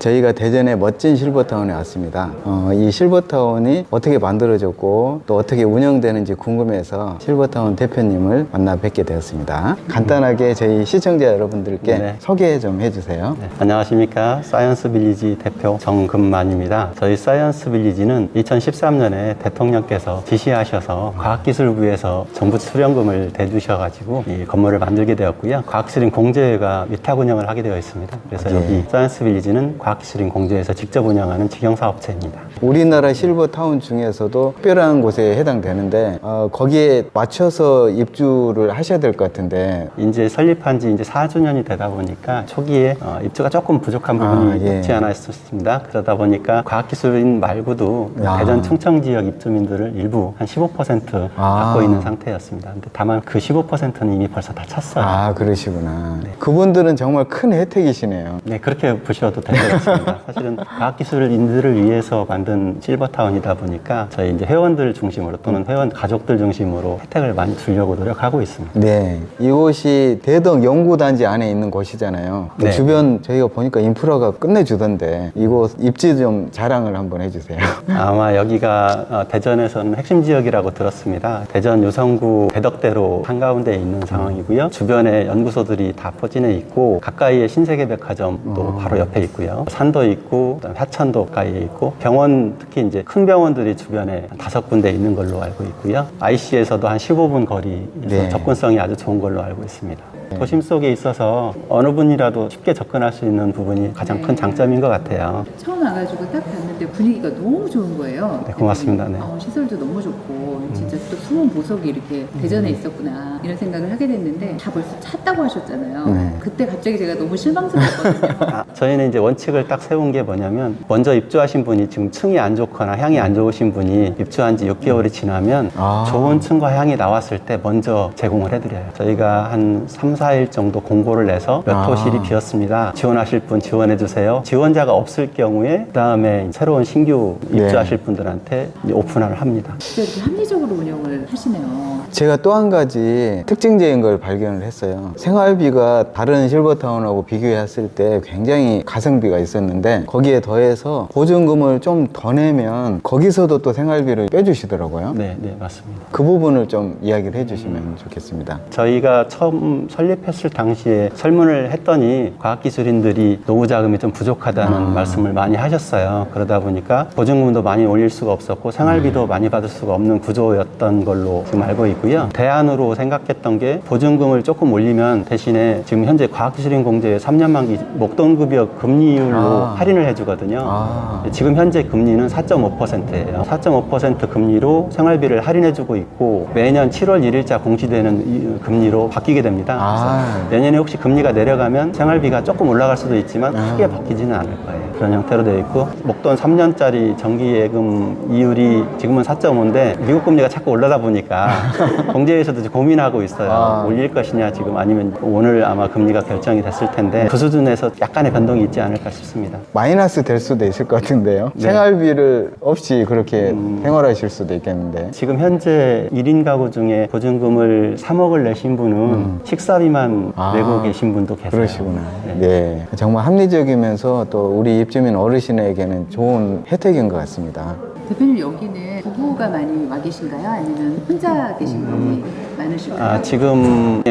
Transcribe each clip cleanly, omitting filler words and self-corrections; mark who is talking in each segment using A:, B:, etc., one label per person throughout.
A: 저희가 대전의 멋진 실버타운에 왔습니다. 이 실버타운이 어떻게 만들어졌고 또 어떻게 운영되는지 궁금해서 실버타운 대표님을 만나 뵙게 되었습니다. 간단하게 저희 시청자 여러분들께
B: 네.
A: 소개 좀 해주세요.
B: 네, 안녕하십니까. 사이언스 빌리지 대표 정금만입니다. 저희 사이언스 빌리지는 2013년에 대통령께서 지시하셔서 과학기술부에서 정부 수령금을 대주셔가지고 이 건물을 만들게 되었고요. 과학기술인 공제회가 위탁 운영을 하게 되어 있습니다. 그래서
A: 예.
B: 여기 사이언스 빌리지는 과학기술인 공제회에서 직접 운영하는 직영사업체입니다.
A: 우리나라 실버타운 중에서도 특별한 곳에 해당되는데 거기에 맞춰서 입주를 하셔야 될 것 같은데
B: 이제 설립한 지 이제 4주년이 되다 보니까 초기에 입주가 조금 부족한 부분이
A: 예.
B: 없지 않아 있었습니다. 그러다 보니까 과학기술인 말고도 대전 충청 지역 입주민들을 일부 한 15% 갖고 있는 상태였습니다. 근데 다만 그 15%는 이미 벌써 다 찼어요.
A: 아, 그러시구나. 그분들은 정말 큰 혜택이시네요.
B: 네, 그렇게 보셔도 될 것 같습니다. 사실은 과학기술인들을 위해서 만든 실버타운이다 보니까 저희 이제 회원들 중심으로 또는 회원 가족들 중심으로 혜택을 많이 주려고 노력하고 있습니다.
A: 네, 이곳이 대덕 연구단지 안에 있는 곳이잖아요. 그
B: 네.
A: 주변 저희가 보니까 인프라가 끝내주던데 이곳 입지 좀 자랑을 한번 해주세요.
B: 아마 여기가 대전에서는 핵심 지역이라고 들었습니다. 대전 유성구 대덕대로 한가운데에 있는 상황이고요. 주변에 연구소들이 다 포진해 있고 가까이에 신세계백화점도 바로 옆에 있고요. 산도 있고 그다음에 하천도 가까이에 있고 병원 특히 이제 큰 병원들이 주변에 5군데 있는 걸로 알고 있고요. IC에서도 한 15분 거리에서
A: 네.
B: 접근성이 아주 좋은 걸로 알고 있습니다. 도심 속에 있어서 어느 분이라도 쉽게 접근할 수 있는 부분이 가장 큰 장점인 것 같아요.
C: 처음 와가지고 딱 봤는데 분위기가 너무 좋은 거예요.
B: 네, 고맙습니다. 네.
C: 시설도 너무 좋고 진짜 또 숨은 보석이 이렇게 대전에 있었구나 이런 생각을 하게 됐는데 다 벌써 찼다고 하셨잖아요.
A: 네.
C: 그때 갑자기 제가 너무 실망스러웠거든요.
B: 저희는 이제 원칙을 딱 세운 게 뭐냐면 먼저 입주하신 분이 지금 층이 안 좋거나 향이 안 좋으신 분이 입주한 지 6개월이 지나면 좋은 층과 향이 나왔을 때 먼저 제공을 해드려요. 저희가 한 3, 4일 정도 공고를 내서 몇 호실이 비었습니다. 지원하실 분 지원해주세요. 지원자가 없을 경우에 그 다음에 새로운 신규 입주하실 분들한테 이제 오픈을 합니다.
C: 진짜 이렇게 합리적으로 운영을 하시네요.
A: 제가 또 한 가지 특징적인 걸 발견을 했어요. 생활비가 다른 실버타운하고 비교했을 때 굉장히 가성비가 있었는데 거기에 더해서 보증금을 좀 더 내면 거기서도 또 생활비를 빼주시더라고요.
B: 네, 네, 맞습니다.
A: 그 부분을 좀 이야기를 해주시면 좋겠습니다.
B: 저희가 처음 설립했을 당시에 설문을 했더니 과학기술인들이 노후 자금이 좀 부족하다는 말씀을 많이 하셨어요. 그러다 보니까 보증금도 많이 올릴 수가 없었고 생활비도 많이 받을 수가 없는 구조였던 걸로 지금 알고 있고요. 대안으로 생각했던 게 보증금을 조금 올리면 대신에 지금 현재 과학기술인 공제의 3년 만기 목돈급여 금리율로 할인을 해주거든요. 지금 현재 금리는 4.5%예요. 4.5% 금리로 생활비를 할인해주고 있고 매년 7월 1일자 공시되는 이 금리로 바뀌게 됩니다. 그래서 내년에 혹시 금리가 내려가면 생활비가 조금 올라갈 수도 있지만 크게 바뀌지는 않을 거예요. 그런 형태로 되어 있고 목돈 3년짜리 정기예금 이율이 지금은 4.5인데 미국 금리가 자꾸 올라다 보니까 공제에서도 고민하고 있어요. 올릴 것이냐 지금 아니면 오늘 아마 금리가 결정이 됐을 텐데 그 수준에서 약간의 변동이 있지 않을까 싶습니다.
A: 마이너스 될 수도 있을 것 같은데요.
B: 네.
A: 생활비를 없이 그렇게 생활하실 수도 있겠는데.
B: 지금 현재 1인 가구 중에 보증금을 3억을 내신 분은 식사비만 내고 계신 분도 계세요.
A: 그러시구나. 네. 정말 합리적이면서 또 우리 입주민 어르신에게는 좋은 혜택인 것 같습니다.
C: 대표님 여기는 부부가 많이 와 계신가요? 아니면 혼자 계신 분이 많으실까요?
B: 지금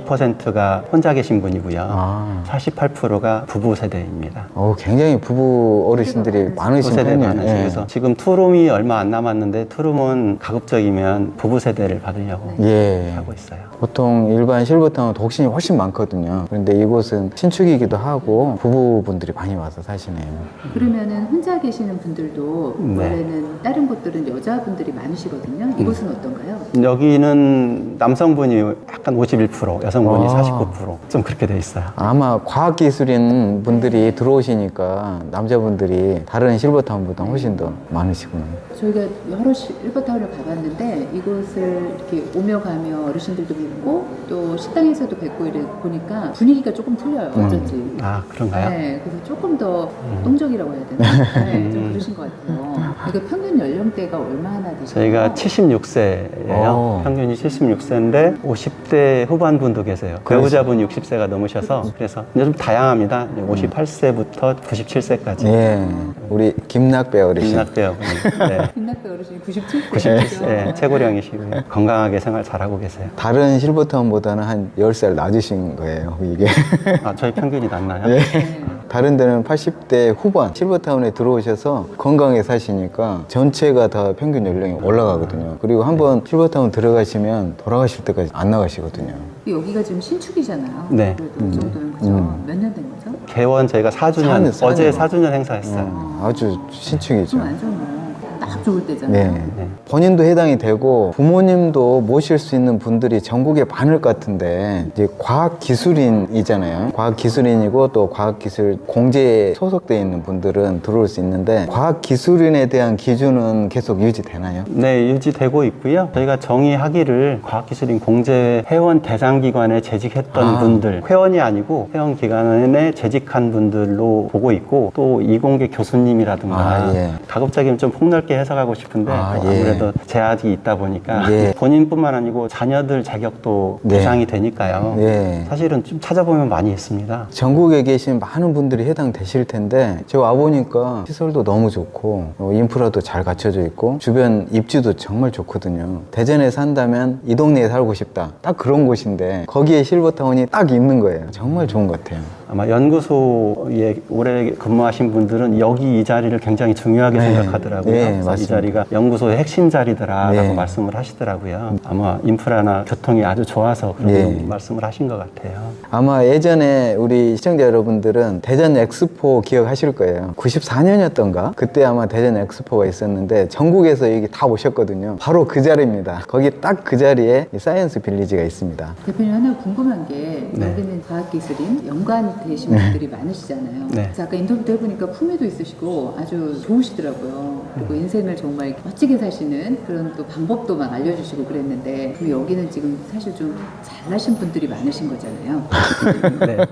B: 52%가 혼자 계신 분이고요. 48%가 부부 세대입니다.
A: 굉장히 부부 어르신들이 많으신
B: 부부 세대
A: 편이에요.
B: 많으시고
A: 예.
B: 그래서 지금 투룸이 얼마 안 남았는데 투룸은 가급적이면 부부 세대를 받으려고
A: 예.
B: 하고 있어요.
A: 보통 일반 실버타운 독신이 훨씬 많거든요. 그런데 이곳은 신축이기도 하고 부부분들이 많이 와서 사시네요.
C: 그러면은 혼자 계시는 분들도
B: 네.
C: 원래는 다른 곳들은 여자분들이 많으시거든요. 이곳은 어떤가요?
B: 여기는 남성분이 약간 51%, 여성분이 49%좀 그렇게 돼 있어요.
A: 아마 과학기술인 분들이 들어오시니까 남자분들이 다른 실버타운보다 훨씬 더 많으시구나.
C: 저희가 여러 실버타운을 가봤는데 이곳을 이렇게 오며 가며 어르신들도 뵙고 또 식당에서도 뵙고 이래 보니까 분위기가 조금 틀려요. 어쩐지.
B: 아, 그런가요?
C: 네, 그래서 조금 더 동적이라고 해야 되나? 네, 좀 그러신 것 같아요. 그러니까 평균 연령대가 얼마나 되세요?
B: 저희가 76세예요. 평균이 76세인데 50대 후반분도 계세요. 배우자분 60세가 넘으셔서 그래서 이제 좀 다양합니다. 58세부터 97세까지.
A: 예, 우리 김낙배 어르신.
B: 김낙배어분이 네.
C: 김낙배 어르신이 97세.
B: 97세 네, 최고령이시고요. 건강하게 생활 잘하고 계세요.
A: 다른 실버타운보다는 한 10살 낮으신 거예요, 이게.
B: 아, 저희 평균이 낮나요?
A: 예.
C: 네.
A: 다른 데는 80대 후반 실버타운에 들어오셔서 건강하게 사시니까 전체가 다 평균 연령이 올라가거든요. 그리고 한번 실버타운 들어가시면 돌아가실 때까지 안 나가시거든요.
C: 여기가 지금 신축이잖아요.
B: 네.
C: 그래도 그 정도면 그죠? 몇 년 된 거죠?
B: 개원 저희가 4주년,
A: 사년.
B: 어제 4주년 행사했어요.
A: 아주 신축이죠.
C: 좀 안 좋네. 딱 좋을 때잖아요.
A: 네. 본인도 해당이 되고 부모님도 모실 수 있는 분들이 전국에 많을 것 같은데 이제 과학기술인이잖아요. 과학기술인이고 또 과학기술 공제에 소속되어 있는 분들은 들어올 수 있는데 과학기술인에 대한 기준은 계속 유지되나요?
B: 네, 유지되고 있고요. 저희가 정의하기를 과학기술인 공제 회원 대상기관에 재직했던 분들, 회원이 아니고 회원기관에 재직한 분들로 보고 있고 또 이공계 교수님이라든가
A: 예.
B: 가급적이면 좀 폭넓게 해석하고 싶은데 또
A: 예.
B: 아무래도 제약이 있다 보니까
A: 예.
B: 본인뿐만 아니고 자녀들 자격도
A: 네.
B: 보장이 되니까요.
A: 예.
B: 사실은 좀 찾아보면 많이 있습니다.
A: 전국에 계신 많은 분들이 해당되실 텐데 제가 와보니까 시설도 너무 좋고 인프라도 잘 갖춰져 있고 주변 입지도 정말 좋거든요. 대전에 산다면 이 동네에 살고 싶다. 딱 그런 곳인데 거기에 실버타운이 딱 있는 거예요. 정말 좋은 것 같아요.
B: 아마 연구소에 오래 근무하신 분들은 여기 이 자리를 굉장히 중요하게
A: 네.
B: 생각하더라고요.
A: 네,
B: 그래서 이
A: 맞습니다.
B: 자리가 연구소의 핵심 자리더라라고
A: 네.
B: 말씀을 하시더라고요. 아마 인프라나 교통이 아주 좋아서 그런
A: 네.
B: 말씀을 하신 것 같아요.
A: 아마 예전에 우리 시청자 여러분들은 대전 엑스포 기억하실 거예요. 94년이었던가? 그때 아마 대전 엑스포가 있었는데 전국에서 여기 다 오셨거든요. 바로 그 자리입니다. 거기 딱 그 자리에 이 사이언스 빌리지가 있습니다.
C: 대표님 하나 궁금한 게
B: 네.
C: 여기는 과학기술인 연관 되신 분들이 많으시잖아요.
B: 네.
C: 그래서 아까 인터뷰도 해보니까 품위도 있으시고 아주 좋으시더라고요. 그리고 인생을 정말 멋지게 사시는 그런 또 방법도 막 알려주시고 그랬는데 그리고 여기는 지금 사실 좀 잘나신 분들이 많으신 거잖아요.
B: 네.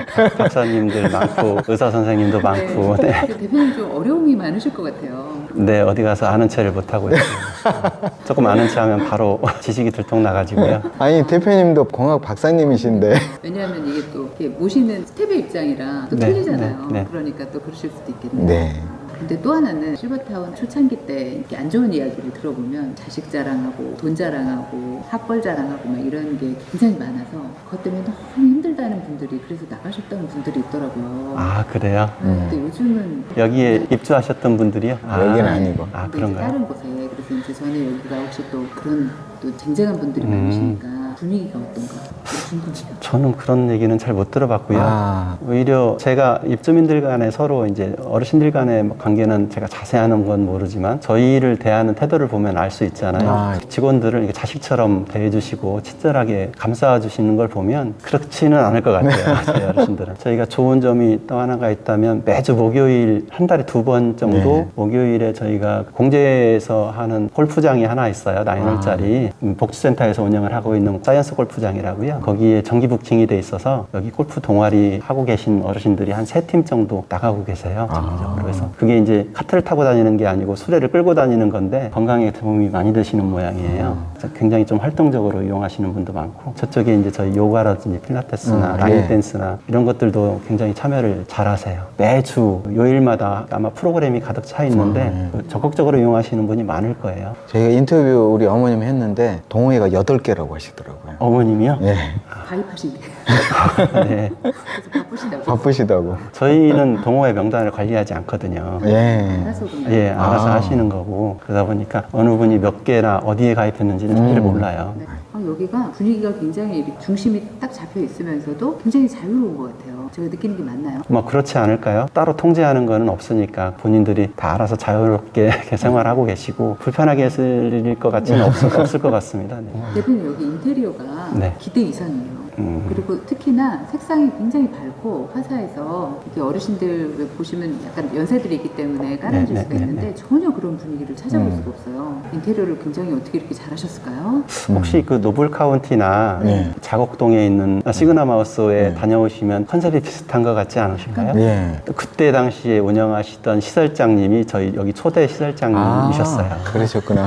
B: 박사님들 많고 의사 선생님도 많고 네.
C: 그래서 대표님 좀 어려움이 많으실 것 같아요.
B: 네, 어디 가서 아는 체를 못 하고 있어요. 조금 아는 체 하면 바로 지식이 들통 나가지고요.
A: 아니 대표님도 공학 박사님이신데
C: 왜냐하면 이게 또 이렇게 모시는 스텝의 입장이랑 또
B: 네,
C: 틀리잖아요.
B: 네, 네.
C: 그러니까 또 그러실 수도 있겠네요.
A: 네.
C: 근데 또 하나는 실버타운 초창기 때 이렇게 안 좋은 이야기를 들어보면 자식 자랑하고 돈 자랑하고 학벌 자랑하고 막 이런 게 굉장히 많아서 그것 때문에 너무 힘들다는 분들이 그래서 나가셨다는 분들이 있더라고요.
B: 아, 그래요?
C: 근데 요즘은
B: 여기에 입주하셨던 분들이요?
A: 여기는 아니고.
B: 아,
C: 근데 이제
B: 그런가요?
C: 다른 곳에 그래서 이제 저는 여기가 혹시 또 그런 또 쟁쟁한 분들이 많으시니까 분위기가 어떤가 궁금해요.
B: 저는 그런 얘기는 잘 못 들어봤고요.
A: 아.
B: 오히려 제가 입주민들 간에 서로 이제 어르신들 간의 관계는 제가 자세하는 건 모르지만 저희를 대하는 태도를 보면 알 수 있잖아요.
A: 아.
B: 직원들을 이렇게 자식처럼 대해주시고 친절하게 감싸주시는 걸 보면 그렇지는 않을 것 같아요. 저희 어르신들은. 저희가 좋은 점이 또 하나가 있다면 매주 목요일 한 달에 2번 정도
A: 네.
B: 목요일에 저희가 공제에서 하는 골프장이 하나 있어요. 9홀짜리 복지센터에서 운영을 하고 있는 사이언스 골프장이라고요. 거기에 정기 부킹이 돼 있어서 여기 골프 동아리 하고 계신 어르신들이 한 3팀 정도 나가고 계세요. 정기적으로. 그래서 그게 이제 카트를 타고 다니는 게 아니고 수레를 끌고 다니는 건데 건강에 도움이 많이 되시는 모양이에요. 그래서 굉장히 좀 활동적으로 이용하시는 분도 많고 저쪽에 이제 저희 요가라든지 필라테스나 라인
A: 예.
B: 댄스나 이런 것들도 굉장히 참여를 잘 하세요. 매주 요일마다 아마 프로그램이 가득 차 있는데 적극적으로 이용하시는 분이 많을 거예요.
A: 저희가 인터뷰 우리 어머님 했는데 동호회가 8개라고 하시더라고요.
B: 어머님이요?
A: 예.
C: 가입하신대요.
B: 네.
C: 그래서 바쁘시다고.
A: 바쁘시다고.
B: 저희는 동호회 명단을 관리하지 않거든요.
A: 예.
C: 알아서 그냥.
B: 예, 알아서
A: 아.
B: 하시는 거고 그러다 보니까 어느 분이 몇 개나 어디에 가입했는지는 사실 몰라요.
C: 네. 여기가 분위기가 굉장히 이렇게 중심이 딱 잡혀 있으면서도 굉장히 자유로운 것 같아요. 제가 느끼는 게 맞나요?
B: 뭐 그렇지 않을까요? 따로 통제하는 거는 없으니까 본인들이 다 알아서 자유롭게 이렇게 생활하고 계시고 불편하게 했을 것 같지는 없을 것 같습니다. 네.
C: 대표님 여기 인테리어가
B: 네.
C: 기대 이상이에요. 그리고 특히나 색상이 굉장히 밝고 화사해서 이게 어르신들 왜 보시면 약간 연세들이 있기 때문에 깔아줄
B: 네,
C: 수가
B: 네,
C: 있는데 전혀 그런 분위기를 찾아볼 수가 없어요. 인테리어를 굉장히 어떻게 이렇게 잘하셨을까요?
B: 혹시 그 노블 카운티나
A: 네.
B: 자곡동에 있는 시그나 마우스에 다녀오시면 컨셉이 비슷한 것 같지 않으신가요?
A: 예.
B: 그때 당시에 운영하시던 시설장님이 저희 여기 초대 시설장님이셨어요.
A: 그러셨구나.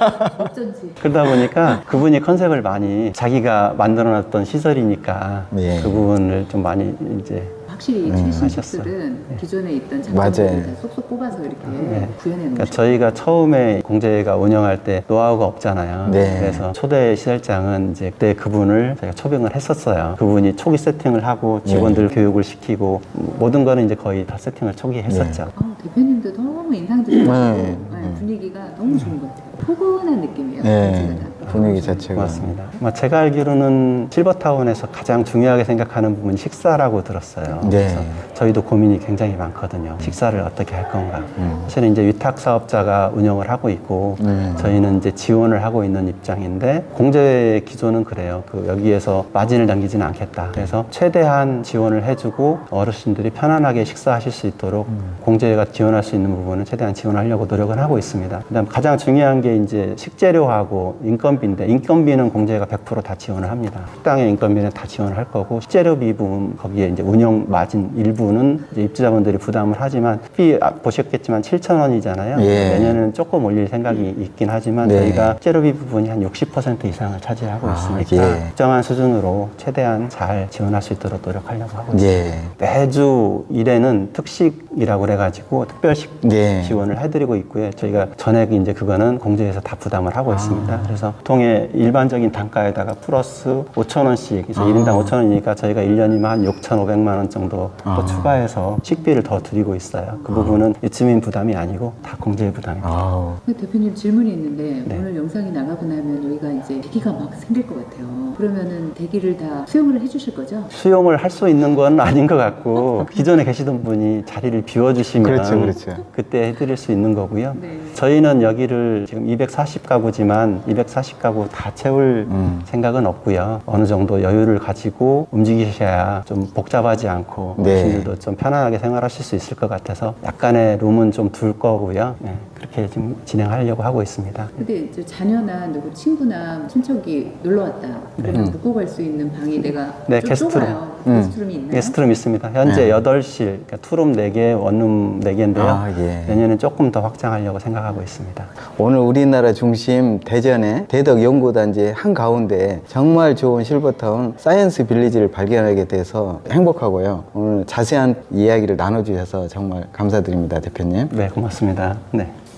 C: 어쩐지.
B: 그러다 보니까 그분이 컨셉을 많이 자기가 만들어놨던 시설이니까
A: 예.
B: 그 부분을 좀 많이 이제
C: 확실히 최신식들은 기존에 있던
A: 맞아요.
C: 장점들을 다 쏙쏙 뽑아서 이렇게 구현해
B: 그러니까
C: 놓으셨어요.
B: 저희가 처음에 공제가 운영할 때 노하우가 없잖아요.
A: 네.
B: 그래서 초대 시설장은 이제 그때 그분을 저희가 초빙을 했었어요. 그분이 초기 세팅을 하고 직원들 교육을 시키고 모든 거는 이제 거의 다 세팅을 초기에 했었죠.
C: 대표님도 너무 인상적이고
A: 네.
C: 분위기가 너무 좋은 것 같아요. 포근한 느낌이에요.
A: 네.
C: 전체가 다.
A: 분위기 자체가.
B: 고맙습니다. 제가 알기로는 실버타운에서 가장 중요하게 생각하는 부분이 식사라고 들었어요.
A: 네.
B: 그래서 저희도 고민이 굉장히 많거든요. 식사를 어떻게 할 건가. 사실은 이제 위탁 사업자가 운영을 하고 있고 저희는 이제 지원을 하고 있는 입장인데 공제 기조는 그래요. 여기에서 마진을 남기지는 않겠다. 그래서 최대한 지원을 해주고 어르신들이 편안하게 식사하실 수 있도록 공제가 지원할 수 있는 부분은 최대한 지원하려고 노력을 하고 있습니다. 그다음 가장 중요한 게 이제 식재료하고 인건비인데 인건비는 공제가 100% 다 지원을 합니다. 식당의 인건비는 다 지원을 할 거고 식재료비 부분 거기에 이제 운영 마진 일부는 이제 입주자분들이 부담을 하지만 비 보셨겠지만 7,000원이잖아요.
A: 예.
B: 내년에는 조금 올릴 생각이 있긴 하지만
A: 네.
B: 저희가 식재료비 부분이 한 60% 이상을 차지하고 있으니까
A: 예.
B: 적정한 수준으로 최대한 잘 지원할 수 있도록 노력하려고 하고 있습니다.
A: 예.
B: 매주 1회는 특식이라고 그래가지고 특별식
A: 예.
B: 지원을 해드리고 있고요. 저희가 전액 이제 그거는 공제에서 다 부담을 하고 있습니다. 그래서 보통의 일반적인 단가에다가 플러스 5,000원씩, 그래서 1인당 5,000원이니까 저희가 1년이면 한 6,500만 원 정도 또 추가해서 식비를 더 드리고 있어요. 그 부분은 입주민 부담이 아니고 다 공제 부담입니다.
A: 아우.
C: 대표님 질문이 있는데
B: 네.
C: 오늘 영상이 나가고 나면 여기가 이제 대기가 막 생길 것 같아요. 그러면은 대기를 다 수용을 해주실 거죠?
B: 수용을 할 수 있는 건 아닌 것 같고 기존에 계시던 분이 자리를 비워주시면
A: 그렇죠.
B: 그때 해드릴 수 있는 거고요.
C: 네.
B: 저희는 여기를 지금 240가구지만 240가구 다 채울 생각은 없고요. 어느 정도 여유를 가지고 움직이셔야 좀 복잡하지 않고
A: 네.
B: 어르신들도 좀 편안하게 생활하실 수 있을 것 같아서 약간의 룸은 좀 둘 거고요. 네, 그렇게 지금 진행하려고 하고 있습니다.
C: 근데 이제 자녀나 누구 친구나 친척이 놀러 왔다. 그러면 묵고 갈 수 있는 방이 내가
B: 네,
C: 좀
B: 게스트룸.
C: 좁아요. 게스트룸이 있나요?
B: 게스트룸 있습니다. 현재 8실, 그러니까 투룸 4개, 원룸 4개인데요.
A: 아, 예.
B: 내년엔 조금 더 확장하려고 생각하고 있습니다.
A: 오늘 우리나라 중심 대전의 대덕 연구단지 한가운데 정말 좋은 실버타운 사이언스 빌리지를 발견하게 돼서 행복하고요. 오늘 자세한 이야기를 나눠주셔서 정말 감사드립니다, 대표님.
B: 네, 고맙습니다. 네.